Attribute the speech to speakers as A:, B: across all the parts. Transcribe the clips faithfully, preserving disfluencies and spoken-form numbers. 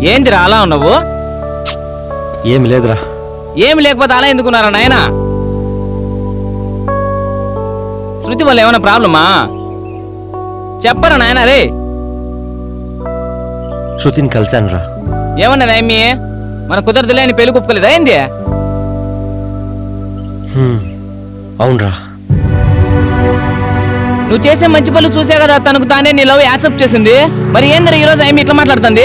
A: ఏంటిరా అలా ఉన్నావు?
B: ఏమి లేదురా.
A: ఏమి లేకపోతే అలా ఎందుకున్నారా నాయనా? శృతి వల్ల ఏమైనా ప్రాబ్లమా? చెప్పరా నాయనా? రే
B: శృతిని కలిశాను రా.
A: ఏమన్నదా ఏమి? మన కుదరదులే అని పెళ్లి కుప్పుకోలేదా ఏంది?
B: అవునరా.
A: నువ్వు చేసే మంచి పనులు చూసే కదా తనకు తానే నీ లవ్ యాక్సెప్ట్ చేసింది. మరి ఏందిరా ఈరోజు ఏమి ఇట్లా మాట్లాడుతుంది?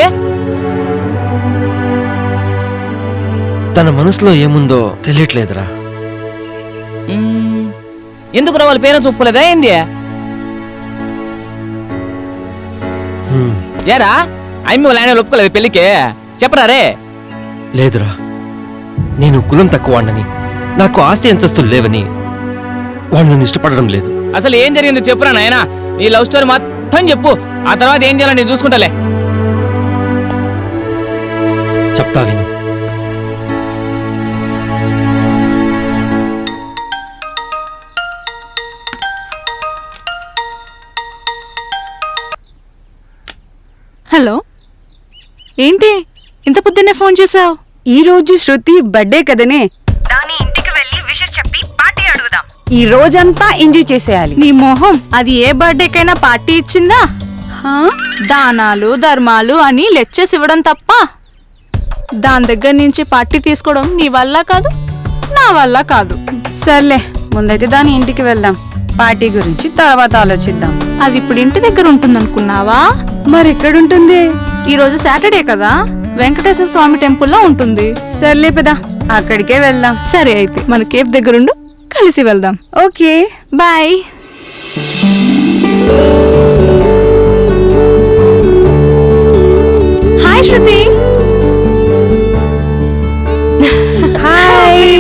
B: తన మనసులో ఏముందో తెలియట్లేదురా.
A: ఎందుకు రా వాళ్ళ పేరెంట్స్ ఒప్పుకోలేదా ఏంది? ఏరా అమ్మి వాళ్ళ ఆయన ఒప్పుకోలేదు పెళ్లికి? చెప్పరా రే.
B: లేదురా, నేను కులం తక్కువ వాడినని, నాకు ఆస్తి అంతస్తులు లేవని వాళ్ళు నన్ను ఇష్టపడడం లేదు.
A: అసలు ఏం జరిగిందో చెప్పురా నాయనా. నీ లవ్ స్టోరీ మొత్తం చెప్పు, ఆ తర్వాత ఏం చేయాలో నేను చూసుకుంటాలే.
B: చెప్తా విను.
C: హలో, ఏంటి ఇంత పొద్దున్నే ఫోన్ చేసావు?
D: ఈ రోజు శృతి బర్త్డే కదనే,
E: దాని ఇంటికి వెళ్ళి విషెస్ చెప్పి పార్టీ అడుగుదాం.
D: ఈ రోజంతా ఎంజాయ్ చేసేయాలి.
C: నీ మొహం, అది ఏ బర్త్డేకైనా పార్టీ ఇచ్చిందా? దానాలు ధర్మాలు అని లెక్చర్స్ ఇవ్వడం తప్ప దాని దగ్గర నుంచి పార్టీ తీసుకోవడం నీ వల్ల కాదు, నా వల్ల కాదు.
D: సర్లే, ముందైతే దాని ఇంటికి వెళ్దాం. పార్టీ గురించి తర్వాత ఆలోచిద్దాం.
C: అది ఇప్పుడు ఇంటి దగ్గర ఉంటుందనుకున్నావా?
D: మరి ఎక్కడుంటుంది?
C: ఈ రోజు సాటర్డే కదా, వెంకటేశ్వర స్వామి టెంపుల్లో ఉంటుంది.
D: సర్లే పదా, అక్కడికే వెళ్దాం.
C: సరే అయితే మన కేఫ్ దగ్గరుండు, కలిసి వెళ్దాం.
D: Okay,
C: bye. Hi Shruti.
D: Hi.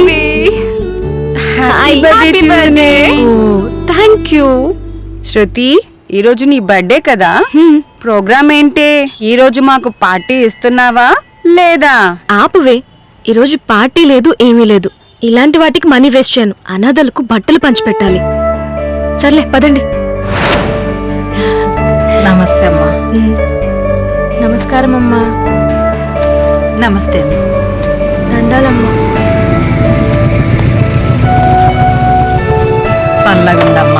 C: Happy birthday. Thank you.
D: Shruti, ఈ రోజు నీ బర్త్డే కదా, ప్రోగ్రామ్ ఏంటి? ఈ రోజు మాకు పార్టీ ఇస్తున్నావా లేదా?
F: ఆపువే, ఈరోజు పార్టీ లేదు, ఏమీ లేదు. ఇలాంటి వాటికి మనీ వేస్ట్ చేయను. అనాథలకు బట్టలు పంచిపెట్టాలి. సర్లే పదండి.
D: నమస్తే అమ్మా.
F: నమస్కారం అమ్మా.
D: నమస్తే.
F: దండాలమ్మా.
D: సల్లగుందమ్మా.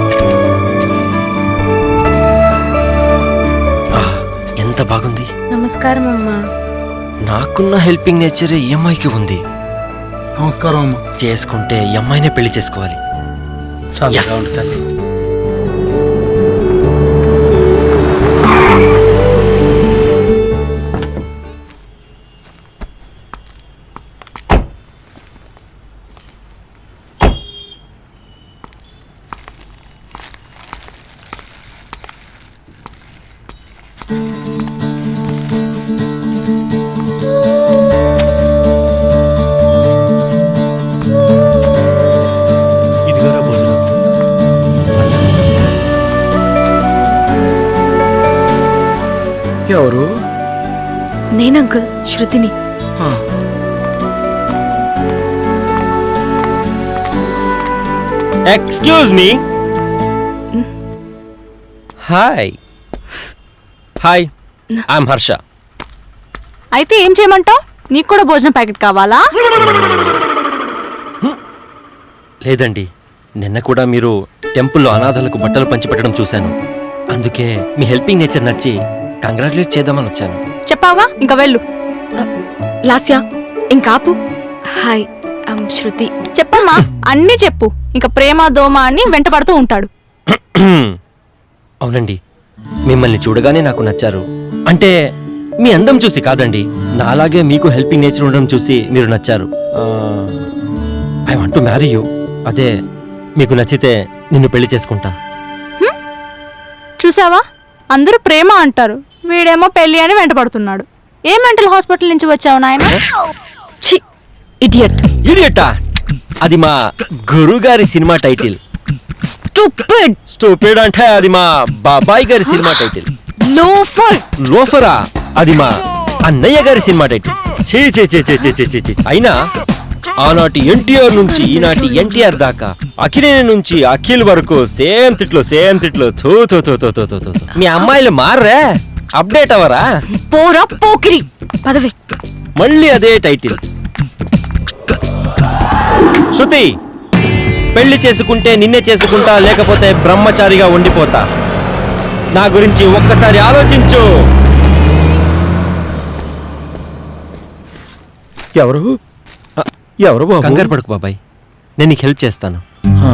B: ఎంత బాగుంది.
F: నమస్కారం అమ్మా.
B: నాకున్న హెల్పింగ్ నేచర్ ఈ అమ్మాయికి ఉంది.
G: నమస్కారం అమ్మా.
B: చేసుకుంటే ఈ అమ్మాయినే పెళ్లి చేసుకోవాలి. Yes.
G: ఇదిగోరా భోజనం. ఎవరు?
F: నేనంకుల్, శృతిని.
B: Excuse me. Hi hi, I'm Harsha.
C: అయితే ఏం చేయమంటావు? నీకు కూడా భోజనం ప్యాకెట్ కావాలా?
B: లేదండి, నిన్న కూడా మీరు టెంపుల్లో అనాథలకు బట్టలు పంచిపెట్టడం చూశాను. అందుకే మీ హెల్పింగ్ నేచర్ నచ్చి కంగ్రాచులేట్ చేద్దామని వచ్చాను.
C: చెప్పావా? ఇంకా వెళ్ళు.
F: లాస్యా, ఇంకాపు. Hi, I'm Shruti.
C: చెప్పమ్మా, అన్నీ చెప్పు. ఇంకా ప్రేమ దోమ అని వెంట పడుతూ ఉంటాడు.
B: అవునండి, మిమ్మల్ని చూడగానే నాకు నచ్చారు. అంటే మీ అందం చూసి కాదండి, నాలాగే మీకు హెల్పింగ్ నేచర్ ఉండడం చూసి మీరు నచ్చారు. I want to marry you. అదే, మీకు నచ్చితే నిన్ను పెళ్లి చేసుకుంటా.
C: చూసావా, అందరూ ప్రేమ అంటారు, వీడేమో పెళ్లి అని వెంట పడుతున్నాడు. ఏ మెంటల్ హాస్పిటల్ నుంచి వచ్చావు నాయన?
F: ఇడియట్.
B: ఇడియట్టా? అది మా గురుగారి సినిమా టైటిల్.
F: స్టూపిడ్.
B: స్టూపిడ్ అంటే అది మా బాబాయ్ గారి సినిమా టైటిల్.
F: లోఫర్.
B: లోఫరా? అది మా అన్నయ్య గారి సినిమా టైటిల్. చే చే చే చే చే చే చే. అయినా ఆనాటి ఎన్టీఆర్ నుంచి ఈనాటి ఎన్టీఆర్ దాకా, అఖిలేని నుంచి అఖిల్ వరకు సేమ్ తిట్లో సేమ్ తిట్లో. థూ థూ థూ థూ థూ థూ. మీ అమ్మాయిలు మారరే? అప్డేట్ అవరా?
F: పోరా పోకిరి పదవే.
B: మళ్ళీ అదే టైటిల్. శృతి, పెళ్లి చేసుకుంటే నిన్నే చేసుకుంటా, లేకపోతే బ్రహ్మచారిగా ఉండిపోతా. నా గురించి ఒక్కసారి ఆలోచించు.
G: ఎవరు ఎవరు బాబు?
B: కంగారు పడుకు బాబాయ్, నేను నీకు హెల్ప్ చేస్తాను.
G: ఆ.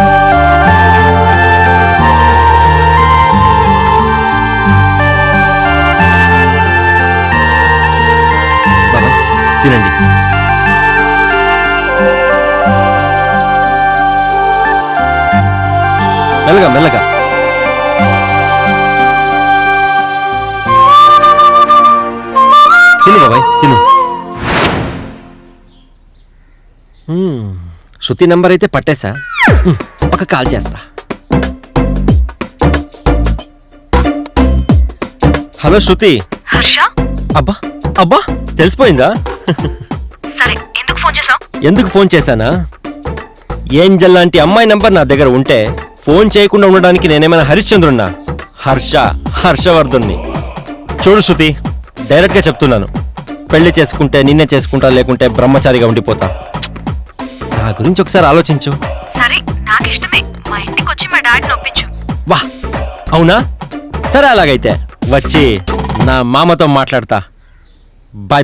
B: బాబాయ్ తినండి. మెల్లగా మెల్లగా. తిను బాబాయ్ తిను. మ్మ్. శృతి నంబర్ అయితే పట్టేశా. మ్మ్. ఒక కాల్ చేస్తా. హలో శృతి.
E: హర్ష,
B: అబ్బా అబ్బా తెలిసిపోయిందా?
E: సరే ఎందుకు ఫోన్ చేసావు?
B: ఎందుకు ఫోన్ చేశానా? ఏంజల్ లాంటి అమ్మాయి నంబర్ నా దగ్గర ఉంటే ఫోన్ చేయకుండా ఉండడానికి నేనేమైనా హరిశ్చంద్రున్నా? హర్ష హర్షవర్ధన్ని. చూడు శృతి, డైరెక్ట్గా చెప్తున్నాను, పెళ్లి చేసుకుంటే నిన్నే చేసుకుంటా, లేకుంటే బ్రహ్మచారిగా ఉండిపోతా. నా గురించి ఒకసారి ఆలోచించు.
E: సరే నాకు ఇష్టమే, మా ఇంటికి వచ్చి మా డాడీని ఒప్పించు.
B: వా అవునా? సరే అలాగైతే వచ్చి నా మామతో మాట్లాడతా. బాయ్.